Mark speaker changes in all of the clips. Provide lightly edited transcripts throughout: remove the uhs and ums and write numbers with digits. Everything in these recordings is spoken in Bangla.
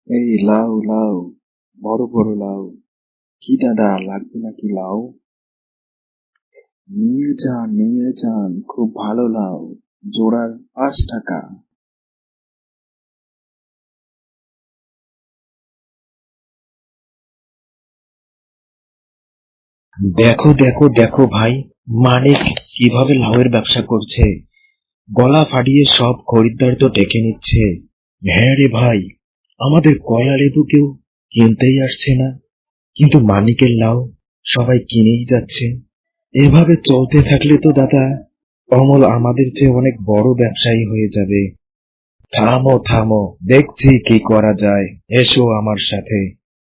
Speaker 1: এই লাউ লাউ, বড় বড় লাউ। কি দাদা, লাগবে নাকি লাউ? নিয়ে যান, খুব ভালো লাউ। জোড়া 5 টাকা।
Speaker 2: দেখো দেখো দেখো ভাই, মানিক কিভাবে লাউয়ের ব্যবসা করছে। গলা ফাটিয়ে সব খরিদ্দার তো ডেকে নিচ্ছে। হ্যাঁ রে ভাই, আমাদের কয়লা লেবু কেউ কিনতেই আসছে না, কিন্তু মানিকের লাউ সবাই কিনেই যাচ্ছে। এভাবে চলতে থাকলে তো দাদা, অমল আমাদের চেয়ে অনেক বড় ব্যবসায়ী হয়ে যাবে। থামো থামো, দেখছি কি করা যায়, এসো আমার সাথে।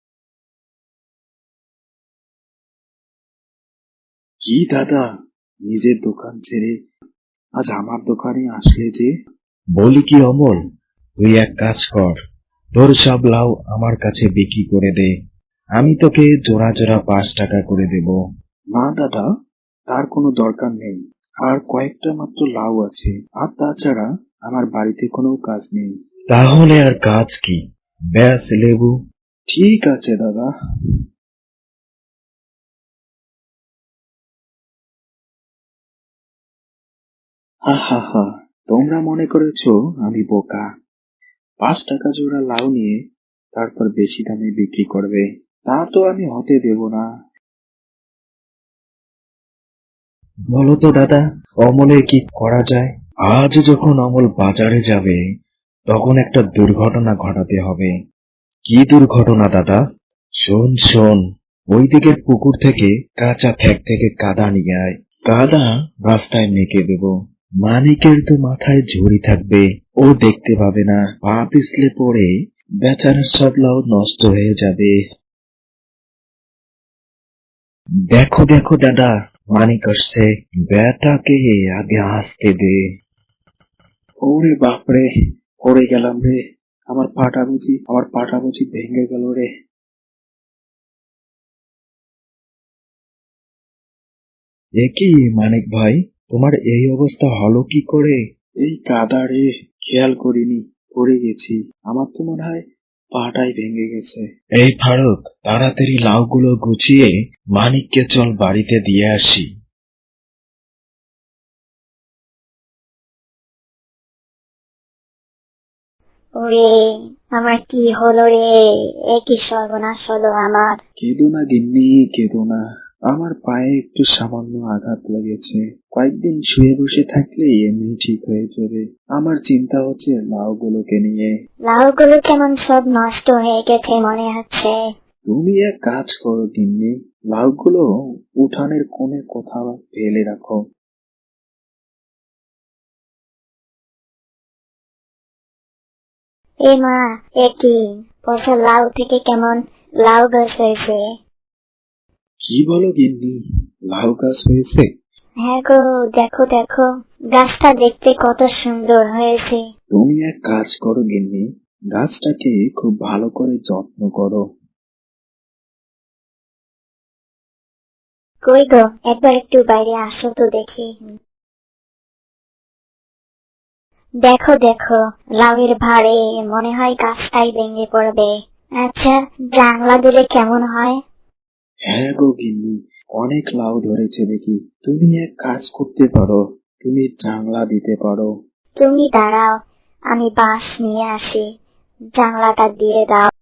Speaker 1: কি দাদা, নিজের দোকান ছেড়ে আজ আমার দোকানে আসলে যে?
Speaker 2: বলি কি অমল, তুই এক কাজ কর, তোর সব লাউ আমার কাছে বিক্রি করে দে, আমি তোকে জোড়া জোড়া 5 টাকা করে দেব।
Speaker 1: না দাদা, তার কোনো দরকার নেই। আর কয়েকটা মাত্র লাউ আছে, আর তাছাড়া আমার বাড়িতে কোনো কাজ নেই।
Speaker 2: তাহলে আর কাজ কি, ব্যাস লেবু।
Speaker 1: ঠিক আছে দাদা। হা হা হা, তোমরা মনে করেছো আমি বোকা? 5 টাকা জোড়া লাউ নিয়ে তারপর বেশি দামে বিক্রি করবে? তা তো আমি হতে দেব না।
Speaker 2: বলো তো দাদা, অমলের কি করা যায়? আজ যখন অমল বাজারে যাবে, তখন একটা দুর্ঘটনা ঘটাতে হবে। কি দুর্ঘটনা দাদা? শোন শোন, ওই দিকের পুকুর থেকে কাঁচা ঠ্যাক থেকে কাদা নিয়ে আয়। কাদা রাস্তায় মেখে দেব। মানিকের তো মাথায় ঝুড়ি থাকবে, ও দেখতে পাবে না, পা পিছলে পড়ে বেচারার সব লাউ নষ্ট হয়ে যাবে। দেখো দেখো দাদা, মানিক আসছে, বেটাকে আগে আসতে দে।
Speaker 1: ওরে বাপরে, পড়ে গেলাম রে। আমার পাটা বুঝি ভেঙে গেল রে।
Speaker 2: এ কি মানিক ভাই, তোমার এই অবস্থা হলো কি করে?
Speaker 1: এই কাদা রে, খেয়াল করিনি, পড়ে গেছি। আমার তো মনে হয় পাটাই ভেঙে গেছে।
Speaker 2: এই ফারুক, তাড়াতাড়ি লাউগুলো গুছিয়ে মানিককে চল বাড়িতে দিয়ে আসি।
Speaker 3: ওরে, আমার কি হলো রে? এ কি সর্বনাশ হলো আমার।
Speaker 1: কেঁদো না গিন্নি, কেঁদো না। আমার পায়ে একটু সামান্য আঘাত লেগেছে। কয়েকদিন শুয়ে বসে থাকলে এমনি ঠিক হয়ে যাবে। আমার চিন্তা হচ্ছে লাউগুলোকে নিয়ে।
Speaker 3: লাউগুলো কেমন সব নষ্ট হয়ে গেছে মনে হচ্ছে।
Speaker 1: তুমি এক কাজ করো গিন্নি, লাউগুলো উঠানের কোণে কোথাও ফেলে রাখো।
Speaker 3: এ মা, এ কি পচা লাউ থেকে কেমন লাউ গাছ হয়েছে?
Speaker 1: কি বলো গিন্নি, লাউ গাছ হয়েছে?
Speaker 3: হ্যাঁ গো, দেখো দেখো, গাছটা দেখতে কত সুন্দর হয়েছে।
Speaker 1: তুমি এক কাজ করো গিন্নি, গাছটাকে খুব ভালো করে যত্ন করো।
Speaker 3: কই গো, একবার একটু বাইরে আসো তো দেখি। দেখো দেখো, লাউয়ের ভারে মনে হয় গাছটাই ভেঙে পড়বে। আচ্ছা, জানলা দিলে কেমন হয়?
Speaker 1: হ্যাঁ গো গিন্নি, অনেক লাউ ধরেছে দেখি। তুমি এক কাজ করতে পারো, তুমি জানলা দিতে পারো।
Speaker 3: তুমি দাঁড়াও, আমি বাঁশ নিয়ে আসি, জানলাটা দিয়ে দাও।